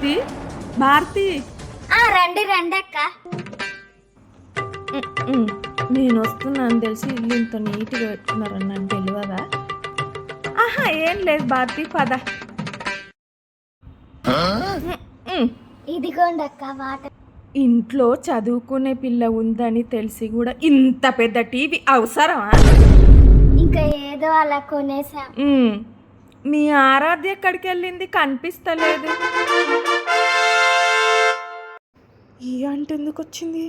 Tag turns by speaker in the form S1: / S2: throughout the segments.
S1: భారతి భారతి
S2: రండి రండి అక్క.
S1: నేను వస్తున్నాను తెలిసి ఇల్లు ఇంత నీట్గా పెట్టుకున్నారని నాకు తెలియదా? ఆహా ఏం లేదు భారతి పద.
S2: ఇదిగోండి అక్క వాటర్.
S1: ఇంట్లో చదువుకునే పిల్ల ఉందని తెలిసి కూడా ఇంత పెద్ద టీవీ అవసరమా?
S2: ఇంకా ఏదో అలా కొనేసాం.
S1: మీ ఆరాధ్య ఎక్కడికి వెళ్ళింది? కనిపిస్తలేదు. ఈ ఆంటీ ఎందుకు వచ్చింది?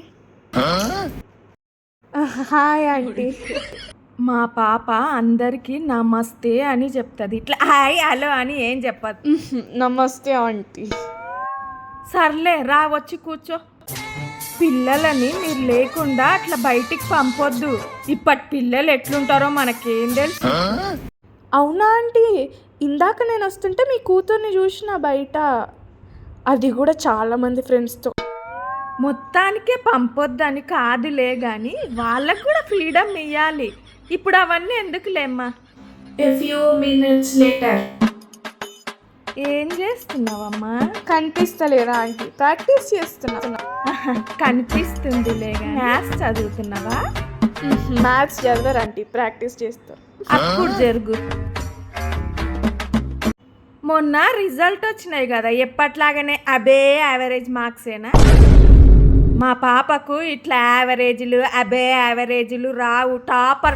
S1: Hi aunty. మా పాప అందరికీ నమస్తే అని చెప్తుంది, ఇట్లా హాయ్ హలో అని ఏం చెప్పదు.
S3: నమస్తే ఆంటీ.
S1: సర్లే రా వచ్చి కూర్చో. పిల్లలని మీరు లేకుండా అట్లా బయటికి పంపొద్దు. ఇప్పటి పిల్లలు ఎట్లుంటారో మనకేం తెలుసు.
S3: అవునా ఆంటీ, ఇందాక నేను వస్తుంటే మీ కూతుర్ని చూసిన బయట, అది కూడా చాలామంది ఫ్రెండ్స్తో.
S1: మొత్తానికే పంపొద్దని కాదులే కానీ వాళ్ళకు కూడా ఫ్రీడమ్ ఇవ్వాలి. ఇప్పుడు అవన్నీ ఎందుకులేమ్మా. A few minutes later. ఏం చేస్తున్నావమ్మా?
S3: కనిపిస్తలేదా ఆంటీ? ప్రాక్టీస్ చేస్తున్నా.
S1: కనిపిస్తుందిలే కానీ మ్యాథ్స్ చదువుతున్నావా?
S3: మ్యాథ్స్ చదవరు ఆంటీ, ప్రాక్టీస్ చేస్తారు.
S1: అప్పుడు జరుగు. మొన్న రిజల్ట్ వచ్చినాయి కదా, ఎప్పట్లాగానే అబే యావరేజ్ మార్క్సేనా? మా పాపకు ఇట్లా యావరేజ్లు అబే యావరేజ్లు రావు. టాపర్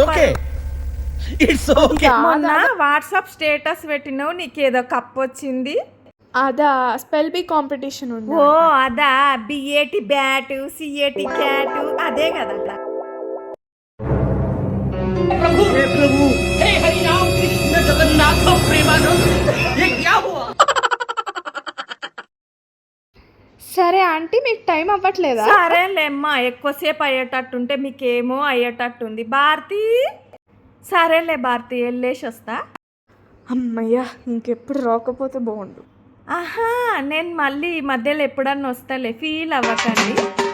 S1: మొన్న వాట్సాప్ స్టేటస్ పెట్టినావు, నీకేదో కప్ వచ్చింది.
S3: అదా స్పెల్ బీ కాంపిటీషన్ ఉంది.
S1: ఓ అదా, బిఏటి బ్యాటు సిఏటి క్యాటు అదే కదా.
S3: సరే ఆంటీ, మీకు టైం అవ్వట్లేదా?
S1: సరేలేమ్మా, ఎక్కువసేపు అయ్యేటట్టుంటే మీకేమో అయ్యేటట్టుంది. భారతి సరేలే భారతి, వెళ్ళేసి వస్తా.
S3: అమ్మయ్యా, ఇంకెప్పుడు రాకపోతే బాగుండు.
S1: ఆహా నేను మళ్ళీ మధ్యలో ఎప్పుడన్నా వస్తాలే, ఫీల్ అవ్వకండి.